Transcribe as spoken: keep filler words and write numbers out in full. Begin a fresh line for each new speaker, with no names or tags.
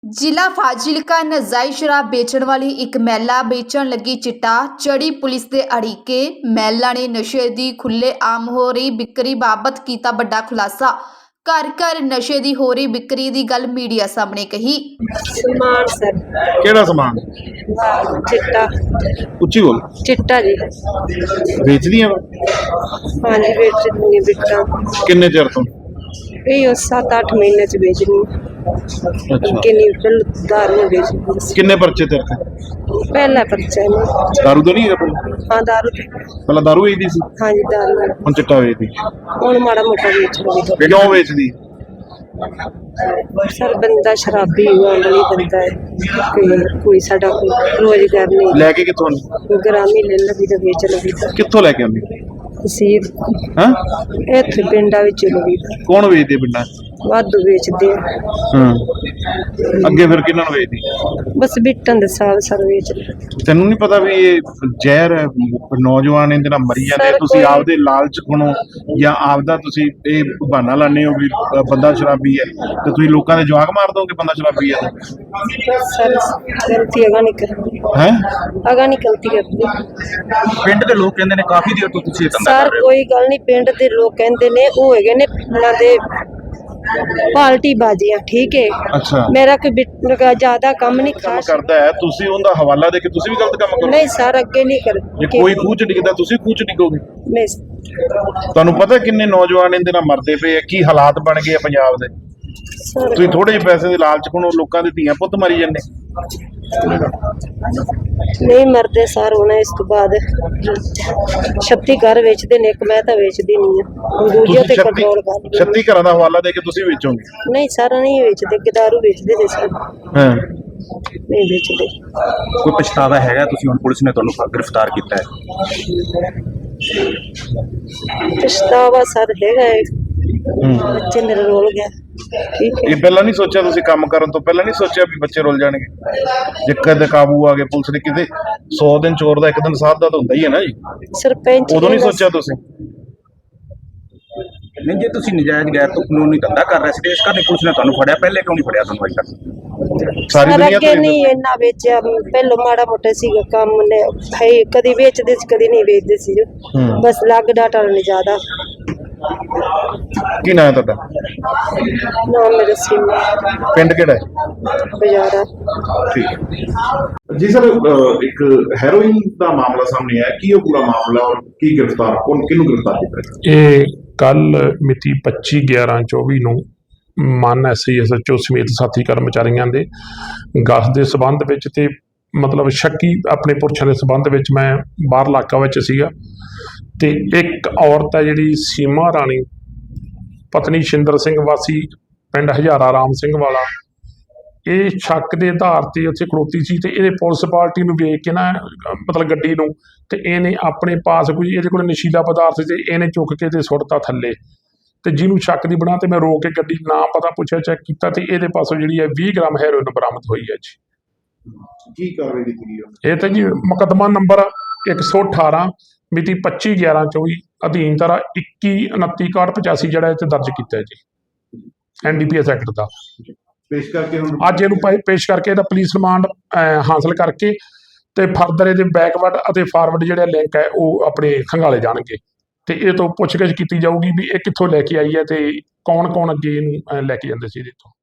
ਜ਼ਿਲ੍ਹਾ ਫਾਜ਼ਿਲਕਾ ਨਾਜਾਇਜ਼ ਸ਼ਰਾਬ ਵੇਚਣ ਵਾਲੀ ਇੱਕ ਮਹਿਲਾ ਵੇਚਣ ਲੱਗੀ ਚਿੱਟਾ ਚੜੀ ਪੁਲਿਸ ਦੇ ਅੜਿੱਕੇ। ਮਹਿਲਾ ਨੇ ਨਸ਼ੇ ਦੀ ਖੁੱਲ੍ਹੇਆਮ ਹੋ ਰਹੀ ਵਿਕਰੀ ਬਾਬਤ ਕੀਤਾ ਵੱਡਾ ਖੁਲਾਸਾ। ਘਰ ਘਰ ਨਸ਼ੇ ਦੀ ਹੋ ਰਹੀ ਵਿਕਰੀ ਦੀ ਗੱਲ ਮੀਡੀਆ ਸਾਹਮਣੇ ਕਹੀ।
ਸਮਾਨ ਸਰ
ਕਿਹੜਾ ਸਮਾਨ?
ਚਿੱਟਾ
ਉੱਚੀ ਬੋਲ।
ਚਿੱਟਾ ਜੀ
ਵੇਚਦੀਆਂ ਵਾ?
ਹਾਂਜੀ ਵੇਚਣੀ ਵਿਕਰਾਂ
ਕਿੰਨੇ ਚਿਰ ਤੋਂ?
ਇਹ ਸੱਤ ਅੱਠ ਮਹੀਨੇ ਚ ਵੇਚਣੀ।
ਅੱਛਾ,
ਕਿੰਨੀ ਬਿਲ ਦਾਰੂ ਵੇਚਣੀ ਸੀ।
ਕਿੰਨੇ ਪਰਚੇ ਤੇਰੇ ਤੇ?
ਪਹਿਲਾ ਪਰਚਾ ਹੈ
ਦਾਰੂ ਤਾਂ ਨਹੀਂ ਹੈਗਾ ਪਹਿਲਾਂ?
ਹਾਂ ਦਾਰੂ ਤੇ।
ਪਹਿਲਾਂ ਦਾਰੂ ਵੇਚਦੀ ਸੀ,
ਹਾਂਜੀ ਦਾਰੂ
ਹੁਣ ਚਿੱਟਾ ਵੇਚਦੀ।
ਹੁਣ ਮਾੜਾ ਮੋਟਾ ਵੇਚ ਲਈ।
ਕਿਉਂ ਵੇਚਦੀ?
ਸਰ ਬੰਦਾ ਸ਼ਰਾਬੀ ਵਾਲੀ ਬੰਦਾ ਹੈ ਕਿ ਕੋਈ ਸਾਡਾ ਕੋਈ ਰੋਜ਼ਗਾਰ ਨਹੀਂ।
ਲੈ ਕੇ ਕਿੱਥੋਂ ਆਉਂਦੀ?
ਗ੍ਰਾਮੀ ਲੈ ਲਵੀ ਤਾਂ ਵੇਚ ਲਵੀ ਤਾਂ
ਕਿੱਥੋਂ ਲੈ ਕੇ ਆਉਂਦੀ?
ਸੀਰ
ਹਾਂ,
ਇੱਥੇ ਪਿੰਡਾਂ ਵਿੱਚ ਲਵੀ ਤਾਂ
ਕੌਣ ਵੇਚਦੇ ਪਿੰਡਾਂ 'ਚ?
ਵਾਧੂ ਵੇਚਦੇ ਆ।
ਹਾਂ, ਅੱਗੇ ਫਿਰ ਕਿਹਨਾਂ ਨੂੰ ਵੇਚਦੀ?
ਬਸ ਬਿੱਟਨ ਦੇ ਸਾਲ ਸਰ ਵੇਚਦੇ।
ਤੈਨੂੰ ਨਹੀਂ ਪਤਾ ਵੀ ਇਹ ਜ਼ਹਿਰ ਹੈ, ਨੌਜਵਾਨ ਇਹਦੇ ਨਾਲ ਮਰੀ ਜਾਂਦੇ।
ਸਰ,
ਤੁਸੀਂ
ਕੋਈ-
ਆਪਦੇ ਲਾਲਚ ਖਣੋ ਜਾਂ ਆਪਦਾ ਤੁਸੀਂ ਇਹ ਬਹਾਨਾ ਲਾਉਂਦੇ ਹੋ ਵੀ ਅ, ਬੰਦਾ ਸ਼ਰਾਬੀ ਹੈ, ਤੇ ਤੁਸੀਂ ਲੋਕਾਂ ਦੇ ਜਵਾਕ ਮਾਰ ਦੋਗੇ ਬੰਦਾ ਸ਼ਰਾਬੀ ਹੈ।
ਸਰ ਗਲਤੀ ਅਗਾ ਨਹੀਂ ਕਰਦੀ,
ਹੈ
ਅਗਾ ਨਹੀਂ ਗਲਤੀ ਕਰਦੀ।
ਪਿੰਡ ਦੇ ਲੋਕ ਕਹਿੰਦੇ ਨੇ ਕਾਫੀ ਦੇਰ ਤੋਂ ਤੁਸੀਂ ਇਹ ਧੰਦਾ
ਸਰ
ਕਰ ਰਹੇ ਹੋ।
ਕੋਈ ਗੱਲ ਨਹੀਂ, ਪਿੰਡ ਦੇ ਲੋਕ ਕਹਿੰਦੇ ਨੇ ਉਹ ਹੈਗੇ ਨੇ ਉਹਨਾਂ ਦੇ ਪਾਲਟੀ ਬਾਜ਼ੀਆਂ, ਠੀਕ ਹੈ।
ਅੱਛਾ,
ਮੇਰਾ ਕੋਈ ਬਿੱਟ- ਜ਼ਿਆਦਾ ਕੰਮ ਨਹੀਂ
ਕੰਮ
ਖਾਸ।
ਕਰਦਾ ਹੈ, ਤੁਸੀਂ ਉਹਦਾ ਹਵਾਲਾ ਦੇ ਕੇ ਤੁਸੀਂ ਵੀ ਗਲਤ ਕੰਮ ਕਰੋ।
ਨਹੀਂ ਸਰ ਅੱਗੇ ਨਹੀਂ ਕਰ
ਜੇ ਕੋਈ ਖੂਹ ਚ ਡਿੱਗਦਾ ਤੁਸੀਂ ਖੂਹ ਚ ਡਿੱਗੋਗੇ।
ਨਹੀਂ
ਤੁਹਾਨੂੰ ਪਤਾ ਕਿੰਨੇ ਨੌਜਵਾਨ ਇਹਦੇ ਨਾਲ ਮਰਦੇ ਪਏ ਆ, ਕੀ ਹਾਲਾਤ ਬਣ ਗਏ ਆ ਪੰਜਾਬ ਦੇ।
ਸਰ
ਤੁਸੀਂ ਥੋੜੇ ਜਿਹੇ ਪੈਸੇ ਦੇ ਲਾਲਚ ਕੋਲੋਂ ਲੋਕਾਂ ਦੇ ਧੀਆਂ ਪੁੱਤ ਮਾਰੀ ਜਾਂਦੇ।
ਨਹੀਂ ਮਰਦੇ ਸਰ। ਹੁਣ ਇਸ ਤੋਂ ਬਾਅਦ ਛੱਤੀ ਘਰ ਵੇਚਦੇ ਨੇ, ਇੱਕ ਮੈਂ ਤਾਂ ਵੇਚਦੀ ਨਹੀਂ ਆ। ਦੂਜੇ ਤੇ ਕੰਟਰੋਲ ਕਰ ਲਈ।
ਛੱਤੀ ਘਰਾਂ ਦਾ ਹਵਾਲਾ ਦੇ ਕੇ ਤੁਸੀਂ ਵੇਚੋਗੇ?
ਨਹੀਂ ਸਰ ਨਹੀਂ ਵੇਚਦੇ, ਗਿਦਾਰੂ ਵੇਚਦੇ ਨੇ ਸਰ,
ਹਾਂ,
ਨਹੀਂ ਵੇਚਦੇ।
ਕੋਈ ਪਛਤਾਵਾ ਹੈਗਾ? ਤੁਸੀਂ ਹੁਣ ਪੁਲਿਸ ਨੇ ਤੁਹਾਨੂੰ ਗ੍ਰਿਫਤਾਰ ਕੀਤਾ ਹੈ।
ਪਛਤਾਵਾ ਸਰ ਹੈਗਾ ਹੈ, ਬੱਚੇ ਮੇਰੇ ਰੋਲ ਗਿਆ, ਠੀਕ ਹੈ।
ਇਹ ਪਹਿਲਾਂ ਨਹੀਂ ਸੋਚਿਆ ਤੁਸੀਂ? ਕੰਮ ਕਰਨ ਤੋਂ ਪਹਿਲਾਂ ਨਹੀਂ ਸੋਚਿਆ ਵੀ ਬੱਚੇ ਰੁੱਲ ਜਾਣਗੇ? ਜੇ ਕਦੇ ਕਾਬੂ ਆ ਗਏ ਪੁਲਿਸ ਨੇ, ਕਿਤੇ ਸੌ ਦਿਨ ਚੋਰ ਦਾ ਇੱਕ ਦਿਨ ਸਾਧ ਦਾ ਤਾਂ ਹੁੰਦਾ ਹੀ ਹੈ ਨਾ ਜੀ।
ਸਰਪੰਚ
ਉਦੋਂ ਨਹੀਂ
ਨੇ
ਸੋਚਿਆ ਤੁਸੀਂ?
ਨਹੀਂ, ਜੇ ਤੁਸੀਂ ਨਜਾਇਜ਼ ਗੈਰ ਤੋਂ ਕਾਨੂੰਨੀ ਧੰਦਾ ਕਰ ਰਹੇ ਸੀ ਤੇ ਇਸ ਕਰਕੇ ਪੁਲਿਸ ਨੇ ਤੁਹਾਨੂੰ ਫੜਿਆ, ਪਹਿਲੇ ਕਿਉਂ ਨਹੀਂ ਫੜਿਆ ਤੁਹਾਨੂੰ ਅਜੇ ਤੱਕ?
ਸਾਰੀ
ਸਰ
ਦੁਨੀਆ
ਅੱਗੇ
ਤੋਂ
ਨਹੀਂ ਇੰਨਾ ਵੇਚਿਆ, ਪਹਿਲੋਂ ਮਾੜਾ ਮੋਟਾ ਸੀਗਾ ਕੰਮ ਨੇ ਭਾਈ, ਕਦੀ ਵੇਚਦੇ ਸੀ ਕਦੀ ਨਹੀਂ ਵੇਚਦੇ ਸੀ ਜੋ।
ਹੂੰ।
ਬਸ ਲੱਗ ਡਾਟਾ ਨਹੀਂ ਜ਼ਿਆਦਾ।
ਕੀ ਨਾਂ ਹੈ ਤੁਹਾਡਾ?
ਨਾਮ ਮੇਰਾ ਸਿਮ
ਪਿੰਡ ਕਿਹੜਾ ਹੈ?
ਬਜ਼ਾਰਾ।
ਠੀਕ ਹੈ ਜੀ ਸਰ। ਇੱਕ ਹੈਰੋਇਨ ਦਾ ਮਾਮਲਾ ਸਾਹਮਣੇ ਆਇਆ, ਕੀ ਉਹ ਪੂਰਾ ਮਾਮਲਾ ਔਰ ਕੀ ਗ੍ਰਿਫਤਾਰ ਕੌਣ ਕਿਹਨੂੰ ਗ੍ਰਿਫਤਾਰ ਕੀਤਾ?
ਇਹ ਕੱਲ ਮਿਤੀ ਪੱਚੀ ਗਿਆਰਾਂ ਚੌਵੀ ਨੂੰ ਮਾਨ ਐਸਆਈ ਐਸਐਚਓ ਸਮੇਤ ਸਾਥੀ ਕਰਮਚਾਰੀਆਂ ਦੇ ਗਸ ਦੇ ਸਬੰਧ ਵਿੱਚ ਤੇ ਮਤਲਬ ਸ਼ੱਕੀ ਆਪਣੇ ਪੁਰਸ਼ਾਂ ਦੇ ਸਬੰਧ ਵਿੱਚ ਮੈਂ ਬਾਹਰ ਇਲਾਕਾ ਵਿੱਚ ਸੀਗਾ, ਤੇ ਇੱਕ ਔਰਤ ਹੈ ਜਿਹੜੀ ਸੀਮਾ ਰਾਣੀ ਪਤਨੀ ਸ਼ਿੰਦਰ ਸਿੰਘ ਵਾਸੀ ਪਿੰਡ ਹਜ਼ਾਰਾ ਰਾਮ ਸਿੰਘ ਵਾਲਾ, ਇਹ ਸ਼ੱਕ ਦੇ ਆਧਾਰ ਤੇ ਉੱਥੇ ਖੜੋਤੀ ਸੀ। ਤੇ ਇਹਨੇ ਪੁਲਿਸ ਪਾਰਟੀ ਨੂੰ ਵੇਖ ਕੇ ਨਾ ਮਤਲਬ ਗੱਡੀ ਨੂੰ, ਤੇ ਇਹਨੇ ਆਪਣੇ ਪਾਸ ਕੋਈ ਇਹਦੇ ਕੋਲ ਨਸ਼ੀਲਾ ਪਦਾਰਥ ਤੇ ਇਹਨੇ ਚੁੱਕ ਕੇ ਤੇ ਸੁੱਟਤਾ ਥੱਲੇ। ਤੇ ਜਿਹਨੂੰ ਸ਼ੱਕ ਦੀ ਬਣਾ ਤੇ ਮੈਂ ਰੋਕ ਕੇ ਗੱਡੀ ਨਾ ਪਤਾ ਪੁੱਛਿਆ ਚੈੱਕ ਕੀਤਾ, ਤੇ ਇਹਦੇ ਪਾਸੋਂ ਜਿਹੜੀ ਹੈ ਵੀਹ ਗ੍ਰਾਮ ਹੈਰੋਇਨ ਬਰਾਮਦ ਹੋਈ ਹੈ ਜੀ।
ਕੀ ਕਾਰਵਾਈ ਕੀਤੀ ਗਈ?
ਇਹ ਤੇ ਜੀ ਮੁਕੱਦਮਾ ਨੰਬਰ ਇੱਕ ਸੌ ਅਠਾਰਾਂ ਮਿਤੀ ਪੱਚੀ ਗਿਆਰਾਂ ਚੌਵੀ ਅਧੀਨ ਧਾਰਾ ਇੱਕੀ ਉਨੱਤੀ ਇਕਾਹਠ ਪਚਾਸੀ ਜਿਹੜਾ ਇਹ 'ਤੇ ਦਰਜ ਕੀਤਾ ਹੈ ਜੀ, N D P S act ਦਾ।
ਪੇਸ਼ ਕਰਕੇ ਹੁਣ
ਅੱਜ ਇਹਨੂੰ ਪੇ- ਪੇਸ਼ ਕਰਕੇ ਇਹਦਾ ਪੁਲਿਸ ਰਿਮਾਂਡ ਹਾਸਲ ਕਰਕੇ ਤੇ ਫਰਦਰ ਇਹਦੇ ਬੈਕਵਰਡ ਅਤੇ ਫਾਰਵਰਡ ਜਿਹੜੇ ਲਿੰਕ ਹੈ ਉਹ ਆਪਣੇ ਖੰਗਾਲੇ ਜਾਣਗੇ, ਤੇ ਇਹ ਤੋਂ ਪੁੱਛਗਿੱਛ ਕੀਤੀ ਜਾਊਗੀ ਵੀ ਇਹ ਕਿੱਥੋਂ ਲੈ ਕੇ ਆਈ ਹੈ ਤੇ ਕੌਣ ਕੌਣ ਅੱਗੇ ਇਹਨੂੰ ਅਹ, ਲੈ ਕੇ ਜਾਂਦੇ ਸੀ ਇਹਦੇ ਤੋਂ।